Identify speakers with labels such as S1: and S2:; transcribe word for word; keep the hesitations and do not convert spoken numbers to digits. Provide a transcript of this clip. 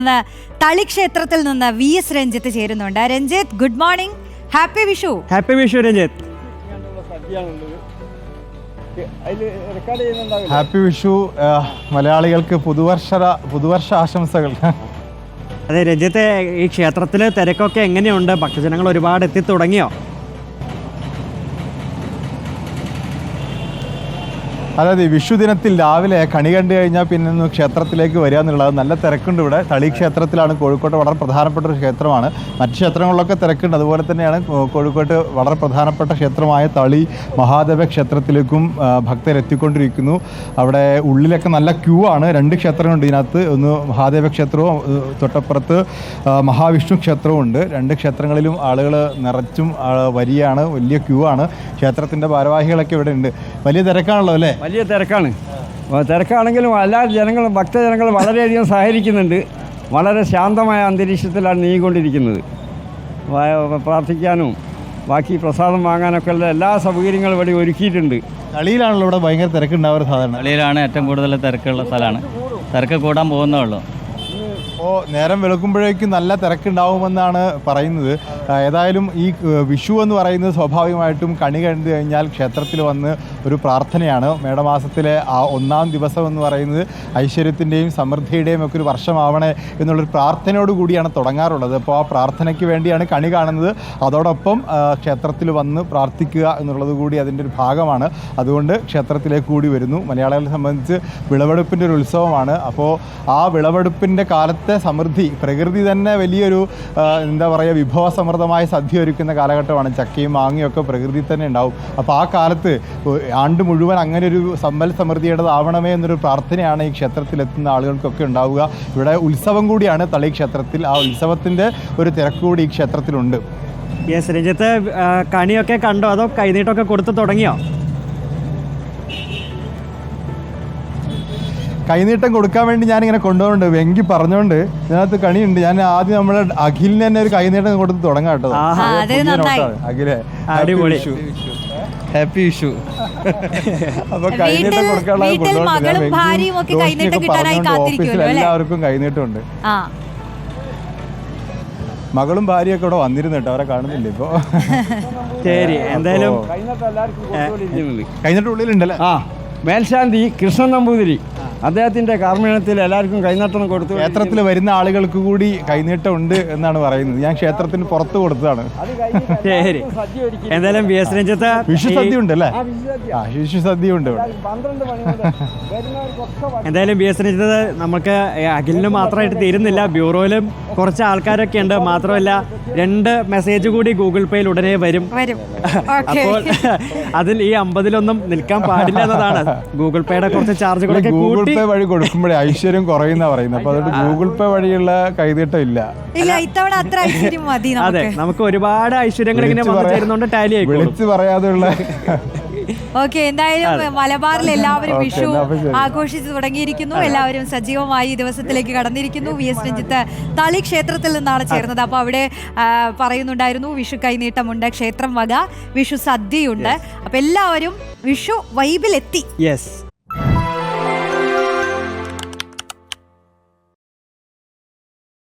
S1: തളി ക്ഷേത്രത്തിൽ നിന്ന് V S Ranjith ചേരുന്നുണ്ട്. Ranjith, good morning, happy Vishu.
S2: Happy Vishu Ranjith.
S3: Happy Vishu. മലയാളികൾക്ക് പുതുവർഷ പുതുവർഷ ആശംസകൾ.
S2: അതെ രഞ്ജിത്ത്, ഈ ക്ഷേത്രത്തിലെ തിരക്കൊക്കെ എങ്ങനെയുണ്ട്? ഭക്തജനങ്ങൾ ഒരുപാട് എത്തി തുടങ്ങിയോ?
S3: അതായത് വിഷു ദിനത്തിൽ രാവിലെ കണി കണ്ടു കഴിഞ്ഞാൽ പിന്നെ ഒന്ന് ക്ഷേത്രത്തിലേക്ക് വരിക എന്നുള്ളത് നല്ല തിരക്കുണ്ട്. ഇവിടെ തളി ക്ഷേത്രത്തിലാണ്, കോഴിക്കോട്ട് വളരെ പ്രധാനപ്പെട്ട ഒരു ക്ഷേത്രമാണ്. മറ്റ് ക്ഷേത്രങ്ങളിലൊക്കെ തിരക്കുണ്ട്. അതുപോലെ തന്നെയാണ് കോഴിക്കോട്ട് വളരെ പ്രധാനപ്പെട്ട ക്ഷേത്രമായ തളി മഹാദേവ ക്ഷേത്രത്തിലേക്കും ഭക്തരെത്തിക്കൊണ്ടിരിക്കുന്നു. അവിടെ ഉള്ളിലൊക്കെ നല്ല ക്യൂ ആണ്. രണ്ട് ക്ഷേത്രങ്ങളുണ്ട് ഇതിനകത്ത്. ഒന്ന് മഹാദേവ ക്ഷേത്രവും തൊട്ടപ്പുറത്ത് മഹാവിഷ്ണു ക്ഷേത്രവും ഉണ്ട്. രണ്ട് ക്ഷേത്രങ്ങളിലും ആളുകൾ നിറച്ചും വരിയാണ്, വലിയ ക്യൂ ആണ്. ക്ഷേത്രത്തിൻ്റെ ഭാരവാഹികളൊക്കെ ഇവിടെ ഉണ്ട്. വലിയ തിരക്കാണല്ലോ അല്ലേ?
S4: വലിയ തിരക്കാണ്. തിരക്കാണെങ്കിലും എല്ലാ ജനങ്ങളും ഭക്തജനങ്ങൾ വളരെയധികം സഹകരിക്കുന്നുണ്ട്. വളരെ ശാന്തമായ അന്തരീക്ഷത്തിലാണ് നീങ്ങിക്കൊണ്ടിരിക്കുന്നത്. പ്രാർത്ഥിക്കാനും ബാക്കി പ്രസാദം വാങ്ങാനൊക്കെ ഉള്ള എല്ലാ സൗകര്യങ്ങളും ഇവിടെ ഒരുക്കിയിട്ടുണ്ട്.
S3: തളിയിലാണല്ലോ ഇവിടെ ഭയങ്കര തിരക്കുണ്ടാവുക. സാധാരണ
S5: തളിയിലാണ് ഏറ്റവും കൂടുതൽ തിരക്കുള്ള സ്ഥലമാണ്. തിരക്ക് കൂടാൻ പോകുന്നേ ഉള്ളൂ.
S3: അപ്പോൾ നേരം വെളുക്കുമ്പോഴേക്കും നല്ല തിരക്കുണ്ടാവുമെന്നാണ് പറയുന്നത്. ഏതായാലും ഈ വിഷു എന്ന് പറയുന്നത് സ്വാഭാവികമായിട്ടും കണി കണ്ടു കഴിഞ്ഞാൽ ക്ഷേത്രത്തിൽ വന്ന് ഒരു പ്രാർത്ഥനയാണ്. മേടമാസത്തിലെ ആ ഒന്നാം ദിവസം എന്ന് പറയുന്നത് ഐശ്വര്യത്തിൻ്റെയും സമൃദ്ധിയുടെയും ഒക്കെ ഒരു വർഷമാവണേ എന്നുള്ളൊരു പ്രാർത്ഥനയോട് കൂടിയാണ് തുടങ്ങാറുള്ളത്. അപ്പോൾ ആ പ്രാർത്ഥനയ്ക്ക് വേണ്ടിയാണ് കണി കാണുന്നത്. അതോടൊപ്പം ക്ഷേത്രത്തിൽ വന്ന് പ്രാർത്ഥിക്കുക എന്നുള്ളത് കൂടി അതിൻ്റെ ഒരു ഭാഗമാണ്. അതുകൊണ്ട് ക്ഷേത്രത്തിലേക്ക് കൂടി വരുന്നു. മലയാളികളെ സംബന്ധിച്ച് വിളവെടുപ്പിൻ്റെ ഒരു ഉത്സവമാണ്. അപ്പോൾ ആ വിളവെടുപ്പിൻ്റെ കാലത്തെ സമൃദ്ധി, പ്രകൃതി തന്നെ വലിയൊരു എന്താ പറയുക വിഭവസമൃദ്ധമായ സദ്യ ഒരുക്കുന്ന കാലഘട്ടമാണ്. ചക്കയും മാങ്ങയൊക്കെ പ്രകൃതി തന്നെ ഉണ്ടാവും. അപ്പോൾ ആ കാലത്ത് ആണ്ട് മുഴുവൻ അങ്ങനെ ഒരു സമ്പൽ സമൃദ്ധിയുടേതാവണമേ എന്നൊരു പ്രാർത്ഥനയാണ് ഈ ക്ഷേത്രത്തിലെത്തുന്ന ആളുകൾക്കൊക്കെ ഉണ്ടാവുക. ഇവിടെ ഉത്സവം കൂടിയാണ് തളി ക്ഷേത്രത്തിൽ. ആ ഉത്സവത്തിൻ്റെ ഒരു തിരക്ക് കൂടി ഈ ക്ഷേത്രത്തിലുണ്ട്.
S2: യെസ് രഞ്ജിത്ത്, കണിയൊക്കെ കണ്ടോ അതോ കൈനീട്ടമൊക്കെ കൊടുത്ത് തുടങ്ങിയോ?
S3: കൈനീട്ടം കൊടുക്കാൻ വേണ്ടി ഞാനിങ്ങനെ കൊണ്ടുപോകുന്നുണ്ട്. വെങ്കി പറഞ്ഞുകൊണ്ട് ഇതിനകത്ത് കണിയുണ്ട്. ഞാൻ ആദ്യം നമ്മുടെ അഖിലിന് തന്നെ ഒരു കൈനീട്ടം കൊടുത്ത് തുടങ്ങാം കേട്ടോ. അഖിലെ
S2: അടിപൊളി,
S3: ഹാപ്പി വിഷു. അപ്പൊ കൈനീട്ടം കൊടുക്കാനുള്ള ഓഫീസിൽ എല്ലാവർക്കും കൈനീട്ടമുണ്ട്. മകളും ഭാര്യയൊക്കെ ഇവിടെ വന്നിരുന്നു കേട്ടോ. അവരെ കാണുന്നില്ല ഇപ്പൊ.
S2: ശരി, എന്തായാലും
S3: കൈനീട്ടം ഉള്ളിലുണ്ടല്ലേ?
S4: ആ, മേൽശാന്തി കൃഷ്ണൻ നമ്പൂതിരി അദ്ദേഹത്തിന്റെ കാർമ്മികത്തിൽ എല്ലാവർക്കും കൈനീട്ടം കൊടുത്തു.
S3: ക്ഷേത്രത്തിൽ വരുന്ന ആളുകൾക്ക് കൂടി കൈനീട്ടം ഉണ്ട് എന്നാണ് പറയുന്നത്. ഞാൻ ക്ഷേത്രത്തിന് പുറത്ത് കൊടുത്തതാണ്.
S2: ശരി, എന്തായാലും വി എസ് രഞ്ജിത്ത്,
S3: വിഷു സദ്യ ഉണ്ട് അല്ലേ? ആ, വിഷു സദ്യ ഉണ്ട്.
S2: എന്തായാലും വി എസ് രഞ്ജിത്ത്, നമുക്ക് അഖിലിന് മാത്രമായിട്ട് തീരുന്നില്ല. ബ്യൂറോയിലും കുറച്ച് ആൾക്കാരൊക്കെ ഉണ്ട്. മാത്രമല്ല രണ്ട് മെസ്സേജ് കൂടി ഗൂഗിൾ പേയിൽ ഉടനെ വരും. അപ്പോൾ അതിൽ ഈ അമ്പതിലൊന്നും നിൽക്കാൻ പാടില്ല എന്നതാണ്. ഗൂഗിൾ പേയുടെ കുറച്ച് ചാർജുകളൊക്കെ
S3: ഗൂഗിൾ പേ വഴി കൊടുക്കുമ്പോഴേ ഐശ്വര്യം കുറയുന്ന പറയുന്നത്. അപ്പൊ അതുകൊണ്ട് ഗൂഗിൾ പേ വഴിയുള്ള കൈനീട്ടം ഇല്ല.
S2: അതെ, നമുക്ക് ഒരുപാട് ഐശ്വര്യങ്ങൾ ഇങ്ങനെ വന്നു ടാലി ആയി
S3: വിളിച്ച് പറയാതെയുള്ള.
S1: ഓക്കെ, എന്തായാലും മലബാറിൽ എല്ലാവരും വിഷു ആഘോഷിച്ചു തുടങ്ങിയിരിക്കുന്നു. എല്ലാവരും സജീവമായി ഈ ദിവസത്തിലേക്ക് കടന്നിരിക്കുന്നു. വി എസ് രഞ്ജിത്ത് തളി ക്ഷേത്രത്തിൽ നിന്നാണ് ചേർന്നത്. അപ്പോൾ അവിടെ പറയുന്നുണ്ടായിരുന്നു വിഷു കൈനീട്ടമുണ്ട്, ക്ഷേത്രം വക വിഷു സദ്യയുണ്ട്. അപ്പൊ എല്ലാവരും വിഷു വൈബിലെത്തി.
S2: യെസ്.